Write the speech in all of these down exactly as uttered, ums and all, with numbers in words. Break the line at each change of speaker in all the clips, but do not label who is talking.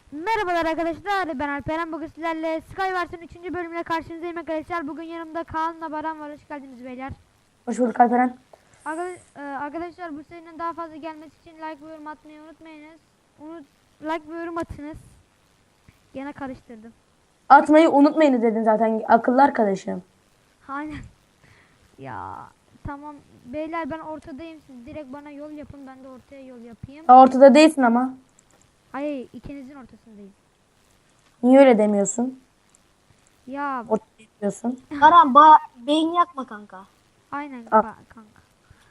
Merhabalar arkadaşlar, ben Alperen. Bugün sizlerle Skywars'ın üçüncü bölümüne karşınızdayım arkadaşlar. Bugün yanımda Kaan'la Baran var. Hoş geldiniz beyler.
Hoş bulduk Alperen.
Arka- e, Arkadaşlar, bu serinin daha fazla gelmesi için like ve yorum atmayı unutmayınız. Unut like ve yorum atınız. Gene karıştırdım.
Atmayı unutmayın dedin zaten akıllı arkadaşım.
Aynen. Ya tamam beyler, ben ortadayım. Siz direkt bana yol yapın, ben de ortaya yol yapayım.
Ya ortada değilsin ama.
Hayır, ikinizin ortasındayım.
Niye öyle demiyorsun?
Ya
Ortada diyorsun.
Baran ba beyin yakma kanka.
aynen
Ah.
ba- kanka.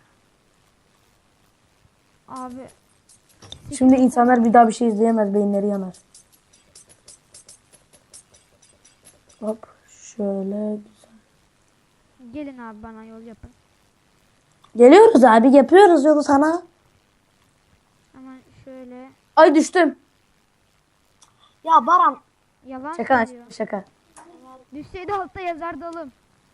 Abi
Şimdi insanlar bir daha bir şey izleyemez, beyinleri yanar. Hop şöyle güzel.
gelin abi, bana yol yapın.
Geliyoruz abi, yapıyoruz yolu sana.
Hemen şöyle.
Ay düştüm.
Ya Baran
Yalan
Şaka lan,
söylüyor.
şaka.
Düşseydi altta yazardı oğlum.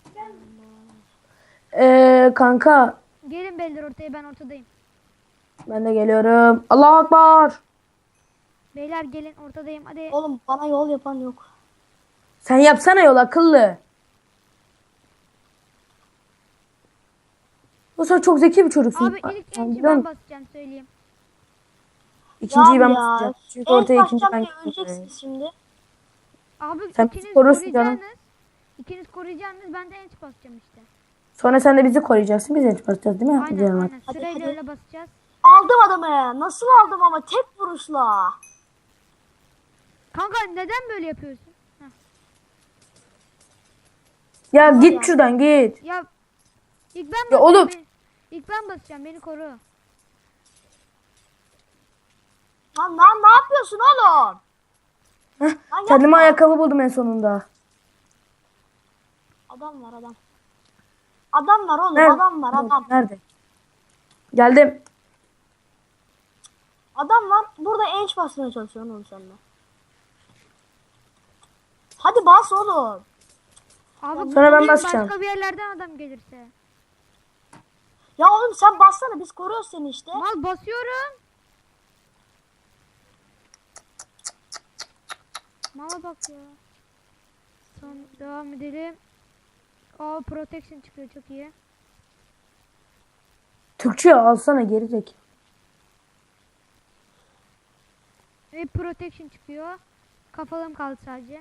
Ee, kanka
Gelin beyler ortaya, ben ortadayım.
ben de geliyorum. Allahu Akbar.
Beyler gelin, ortadayım hadi.
oğlum bana yol yapan yok.
Sen yapsana yol akıllı. Bu sen çok zeki bir çocuksun.
Abi ilk
Sen
enci
biliyor
ben
musun?
basacağım, söyleyeyim.
İkinciyi
Ya
ben
ya.
basacağım. Çünkü
En
ortaya ikinci
baştan
ben
bir öleceksiniz şimdi.
Abi
Sen bizi
ikiniz
korursun canım.
koruyacaksınız. İkiniz koruyacaksınız, ben de enç basacağım işte.
Sonra sen de bizi koruyacaksın. Biz de basacağız değil mi?
Aynen
Canım.
aynen,
Hadi,
sırayla
hadi.
öyle basacağız.
Aldım adamı. Nasıl aldım ama tek vuruşla.
Kanka neden böyle yapıyorsun? Heh.
Ya
Tamam
git
ya.
şuradan git.
Ya ilk ben
Ya
basacağım.
oğlum.
beni- İlk ben basacağım, beni koru.
Lan lan ne yapıyorsun oğlum?
Heh,
Lan
kendime
yapma.
ayakkabı buldum en sonunda.
Adam var adam. Adam var oğlum
Nerede?
adam var adam.
Nerede? Geldim.
Adam var. Burada enç basmaya çalışıyor oğlum seninle. Hadi bas oğlum.
Abi
Sonra ben
koruyun,
basacağım.
başka bir yerlerden adam gelirse.
Ya oğlum sen bassana biz koruyoruz seni işte.
Mal basıyorum. Mala bak ya. Tamam, devam edelim. Aa, protection çıkıyor, çok iyi.
Türkçe alsana geri zeki.
Ve protection çıkıyor. Kafalım kaldı sadece.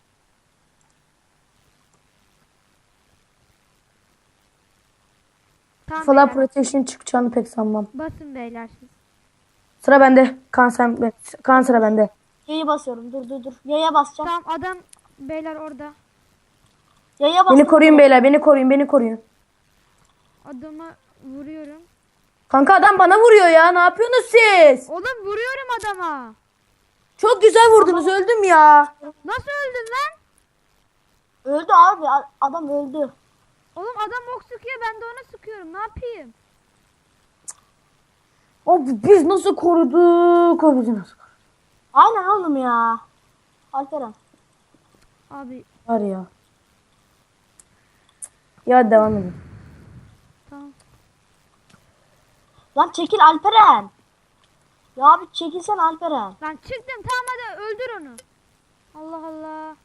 Tamam
Falan
beyler.
protection çıkacağını pek sanmam.
Basın beyler siz.
Sıra bende. Kan sen kan sıra bende.
Yaya basıyorum. Dur dur dur. Yaya basacağım.
Tamam, adam beyler orada.
Yaya bastım.
Beni koruyun beyler, beni koruyun, beni koruyun.
Adamı vuruyorum.
Kanka adam bana vuruyor ya. Ne yapıyorsunuz siz?
Oğlum vuruyorum adama.
Çok güzel vurdunuz. Öldüm ya.
Nasıl öldün lan?
Öldü abi. a- Adam öldü.
Oğlum adam ok sıkıyor, ben de ona sıkıyorum. Ne yapayım?
Abi biz nasıl koruduk? Abi biz nasıl koruduk?
Aynen oğlum ya. Alperen.
Abi
Var ya. Ya devam edin.
tamam.
Lan çekil Alperen. Ya abi çekilsen Alperen.
Lan çıktım, tamam hadi öldür onu. Allah Allah.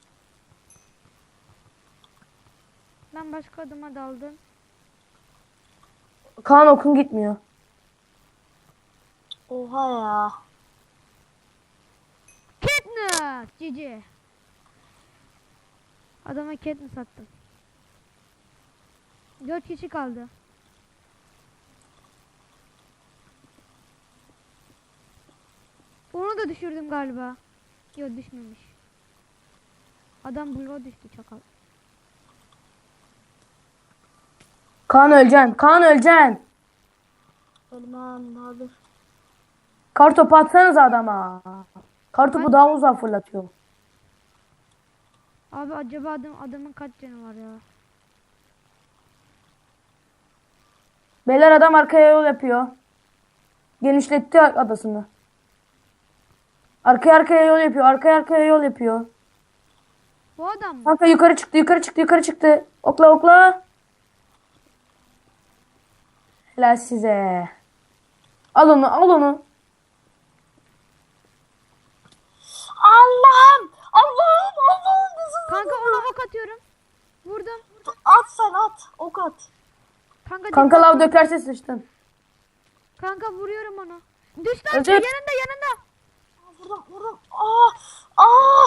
Ben başka adıma daldım.
Kaan okun gitmiyor.
Oha ya.
Katniss cici. Adama Katniss attım. Dört kişi kaldı. Onu da düşürdüm galiba. Yok, düşmemiş. Adam bloğa düştü, çakal.
Kaan öleceksin. Kaan öleceksin.
Ölmem abi.
Kartopu atsanız adama. Kartopu
Ben-
daha uzağa fırlatıyor.
Abi acaba adam, adamın kaç canı var ya?
Beyler adam arkaya yol yapıyor. Genişletti adasını. Arkaya arkaya yol yapıyor. Arkaya arkaya yol yapıyor.
Bu adam mı?
Kanka yukarı çıktı, yukarı çıktı, yukarı çıktı. Okla okla. Helal size. Al onu, al onu.
Aa at.
Kanka,
Kanka
dikkat-
lav dökerse sıçtın.
Kanka vuruyorum onu. Düş lan
Öldür.
yanında yanında.
Aa, vurdum vurdum. Aa! Aa!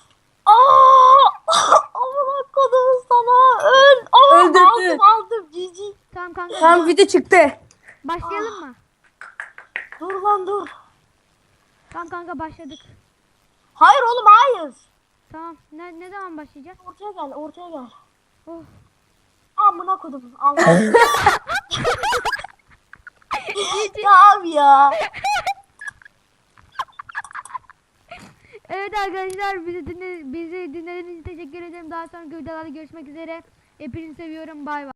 Aa! Amına kodum sana. Öl. Aa,
Öldürdü.
aldım aldım. Cici.
Tamam kanka.
Tam video çıktı.
Başlayalım mı?
Dur lan dur.
Tamam kanka başladık.
Hayır oğlum hayır.
Tamam. Ne ne zaman başlayacağız?
Ortaya gel ortaya gel.
Oh.
Amına kodum. Allah. Ya abi ya.
Evet arkadaşlar bizi dinle bizi dinlediğiniz için teşekkür ederim. Daha sonraki videolarda görüşmek üzere. Hepinizi seviyorum. Bay bay.